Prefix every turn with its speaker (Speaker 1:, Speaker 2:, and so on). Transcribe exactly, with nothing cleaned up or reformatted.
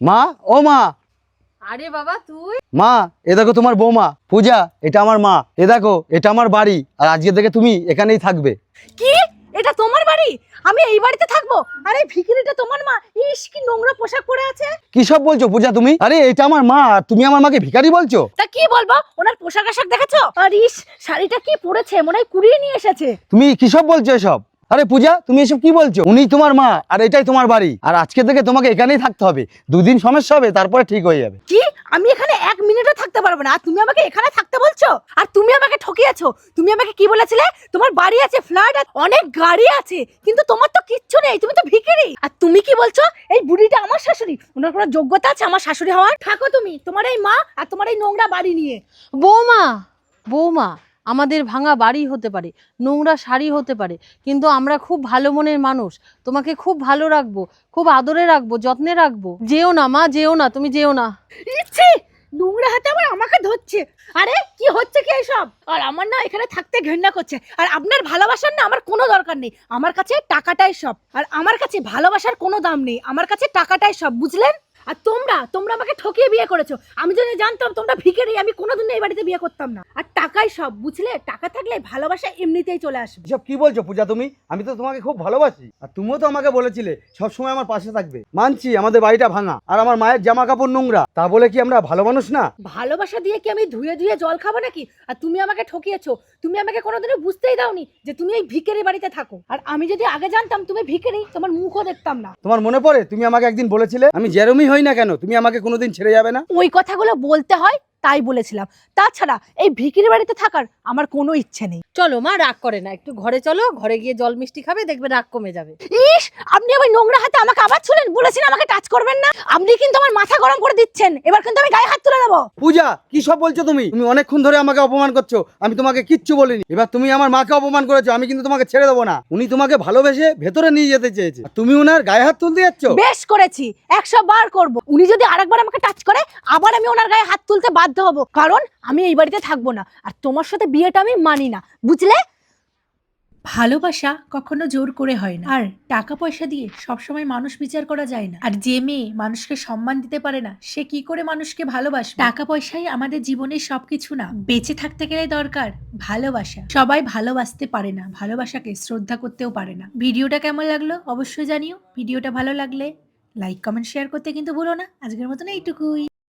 Speaker 1: মা, ও মা।
Speaker 2: আরে বাবা তুই?
Speaker 1: মা, এ দেখো তোমার বৌমা পূজা, এটা আমার মা। এ দেখো, এটা আমার বাড়ি, আর আজকে থেকে তুমি এখানেই থাকবে।
Speaker 2: কি? এটা তোমার বাড়ি? আমি এই বাড়িতে থাকবো? আরে ভিখিরিটা তোমার মা। ইস, কি নোংরা পোশাক পরে আছে।
Speaker 1: কি সব বলছো পূজা তুমি? আরে এটা আমার মা, আর তুমি আমার মাকে ভিখারি বলছো?
Speaker 2: তা কি বলবো, ওনার পোশাক আশাক দেখেছো? আর ইস, শাড়িটা কি পরেছে, মনে হয় কুড়িয়ে নিয়ে এসেছে।
Speaker 1: তুমি কি সব বলছো এসব? আরে পূজা, তুমি এসব কি বলছো? উনি তোমার মা, আর এটাই তোমার বাড়ি, আর আজকে থেকে তোমাকে এখানেই থাকতে হবে। দুদিন সমস্যা হবে, তারপরে ঠিক হয়ে যাবে।
Speaker 2: কি? আমি এখানে এক মিনিটও থাকতে পারবো না, আর তুমি আমাকে এখানে থাকতে বলছো? আর তুমি আমাকে ঠকিয়েছো। তুমি আমাকে কি বলেছিলে? তোমার বাড়ি আছে, ফ্ল্যাট আছে, অনেক গাড়ি আছে, কিন্তু তোমার তো কিচ্ছু নেই, তুমি তো ভিখারি। আর তুমি কি বলছো এই বুড়িটা আমার শাশুড়ি? ওনার কোনো যোগ্যতা আছে আমার শাশুড়ি হওয়ার? থাকো তুমি তোমার এই মা আর তোমার এই নোংরা বাড়ি নিয়ে।
Speaker 3: বৌমা, বৌমা, আমাদের ভাঙা বাড়ি হতে পারে, নোংরা শাড়ি হতে পারে, কিন্তু আমরা খুব ভালো মনের মানুষ। তোমাকে খুব ভালো রাখবো, খুব আদরে রাখবো, যত্নে রাখবো। যেও না মা, যেও না, তুমি যেও না।
Speaker 2: ইচ্ছে নোংরা হাতে আবার আমাকে ধরছে। আরে কি হচ্ছে কি এসব? আর আমার না এখানে থাকতে ঘৃণা করছে। আর আপনার ভালোবাসার না আমার কোনো দরকার নেই, আমার কাছে টাকাটাই সব। আর আমার কাছে ভালোবাসার কোনো দাম নেই, আমার কাছে টাকাটাই সব, বুঝলেন? আর তোমরা তোমরা আমাকে ঠকিয়ে বিয়ে করেছো। আমি যদি জানতাম তোমরা ভিখারি, আমি কোনোদিন এই বাড়িতে বিয়ে করতাম না। আর টাকাই সব, বুঝলে? টাকা থাকলে ভালোবাসা এমনিতেই চলে আসবে।
Speaker 1: এসব কি বলছো পূজা তুমি? আমি তো তোমাকে খুব ভালোবাসি, আর তুমিও তো আমাকে বলেছিলে সবসময় আমার পাশে থাকবে। মানছি আমাদের বাড়িটা ভাঙা, আর আমার মায়ের জামা কাপড় নোংরা, তা বলে কি আমরা ভালো মানুষ না?
Speaker 2: ভালোবাসা দিয়ে কি আমি ধুয়ে ধুয়ে জল খাবো নাকি? আর তুমি আমাকে ঠকিয়েছো। তুমি আমাকে কোনোদিনও বুঝতেই দাওনি যে তুমি এই ভিখারি বাড়িতে থাকো। আর আমি যদি আগে জানতাম তুমি ভিখারি, তোমার মুখও দেখতাম না।
Speaker 1: তোমার মনে পড়ে তুমি আমাকে একদিন বলেছিলে আমি যেরমই হই না কেন তুমি আমাকে কোনোদিন ছেড়ে যাবে না?
Speaker 2: ওই কথাগুলো বলতে হয় তাই বলেছিলাম, তাছাড়া এই ভিখারি বাড়িতে থাকার আমার কোনো ইচ্ছে নেই।
Speaker 3: চলো মা, রাগ করে না, একটু ঘরে চলো, ঘরে গিয়ে জল মিষ্টি খাবে, দেখবে রাগ কমে যাবে।
Speaker 2: ইস, আপনি আমার নোংরা হাতে আমাকে আবার ছুলেন। বলেছেন আমাকে টাচ করবেন না, আপনি কিন্তু আমার মাথা গরম করে দিচ্ছেন। এবার কিন্তু আমি গায়ে হাত তুলে দেবো।
Speaker 1: পূজা, কি সব বলছো তুমি? তুমি অনেকক্ষণ ধরে আমাকে অপমান করছো, আমি তোমাকে কিচ্ছু বলিনি। এবার তুমি আমার মাকে অপমান করেছো, আমি কিন্তু তোমাকে ছেড়ে দেবো না। উনি তোমাকে ভালোবেসে ভেতরে নিয়ে যেতে চেয়েছে, আর তুমি ওনার গায়ে হাত তুলতে যাচ্ছ।
Speaker 2: বেশ করেছি, একশো বার করব। উনি যদি আরেকবার আমাকে টাচ করে, আবার আমি ওনার গায়ে হাত তুলতে বাধ্য হব, কারণ আমি এই বাড়িতে থাকবো না। আর তোমার সাথে বিয়েটা আমি মানি না, বুঝলে?
Speaker 4: ভালোবাসা কখনো জোর করে হয় না, আর টাকা পয়সা দিয়ে সবসময় মানুষ বিচার করা যায় না। আর যে মেয়ে মানুষকে সম্মান দিতে পারে না, সে কি করে মানুষকে ভালোবাসবে? টাকা পয়সাই আমাদের জীবনের সবকিছু না। বেঁচে থাকতে গেলে দরকার ভালোবাসা। সবাই ভালোবাসতে পারে না, ভালোবাসাকে শ্রদ্ধা করতেও পারে না। ভিডিওটা কেমন লাগলো অবশ্যই জানিও। ভিডিওটা ভালো লাগলে লাইক কমেন্ট শেয়ার করতে কিন্তু ভুলো না। আজকের মতন এইটুকুই।